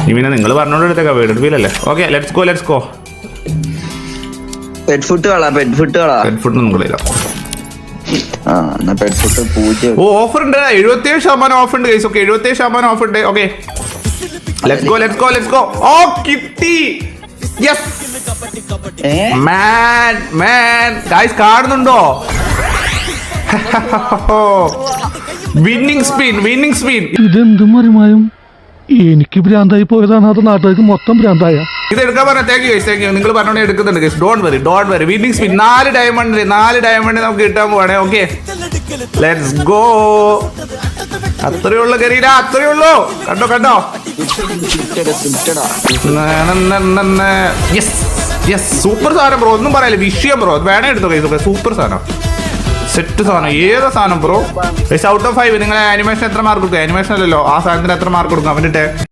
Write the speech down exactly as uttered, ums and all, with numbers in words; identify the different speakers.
Speaker 1: ഇവനെ നിങ്ങൾ പറഞ്ഞോണ്ട് എടുത്തേക്കാ വീട് ഫീലല്ലേ. Okay let's go let's go.
Speaker 2: Pet food കളാ പെറ്റ് ഫുഡ് കളാ
Speaker 1: പെറ്റ് ഫുഡ് ഒന്നും കളിയില്ല. ഓ ഓഫർ ഉണ്ട്, എഴുപത്തിയേഴ് ശതമാനം ഓഫ് ഉണ്ട് ഗൈസ്. ഓക്കെ എഴുപത്തിയേഴ് ശതമാനം ഓഫ് ഉണ്ട്. Okay let's go let's go let's go. ഓ കിട്ടി. യെസ് മാൻ മാൻ ഗൈസ് കാണുന്നുണ്ടോ? Winning spin winning spin.
Speaker 3: ഇതെന്തും മറിമായും എനിക്ക് ഭ്രാന്തായി പോയതാണ്, അത് നാട്ടുകാർക്ക് മൊത്തം ഭ്രാന്തായ.
Speaker 1: ഇത് എടുക്കാൻ പറഞ്ഞ thank you guys thank you. നിങ്ങൾ പറഞ്ഞോണ്ട് എടുക്കുന്നുണ്ട് guys. Don't worry don't worry. Winning spin നാല് ഡയമണ്ട് നാല് ഡയമണ്ട് നമുക്ക് കിട്ടാൻ പോവാണേ. Okay let's go. അത്രയേ ഉള്ളൂ കരീന, അത്രയേ ഉള്ളൂ. കണ്ടോ കണ്ടോ. യെസ് യെസ് സൂപ്പർ സാധനം ബ്രോ, ഒന്നും പറയല്ലേ. വിഷയം ബ്രോ വേണേ എടുത്തോ ഗൈസ്. സൂപ്പർ സാധനം, സെറ്റ് സാധനം. ഏതാ സാധനം ബ്രോ? ഔട്ട് ഓഫ് ഫൈവ് നിങ്ങൾ ആനിമേഷൻ എത്ര മാർക്ക് കൊടുക്കുക? ആനിമേഷൻ അല്ലല്ലോ, ആ സാധനത്തിന് എത്ര മാർക്ക് കൊടുക്കും അവൻ്റെ?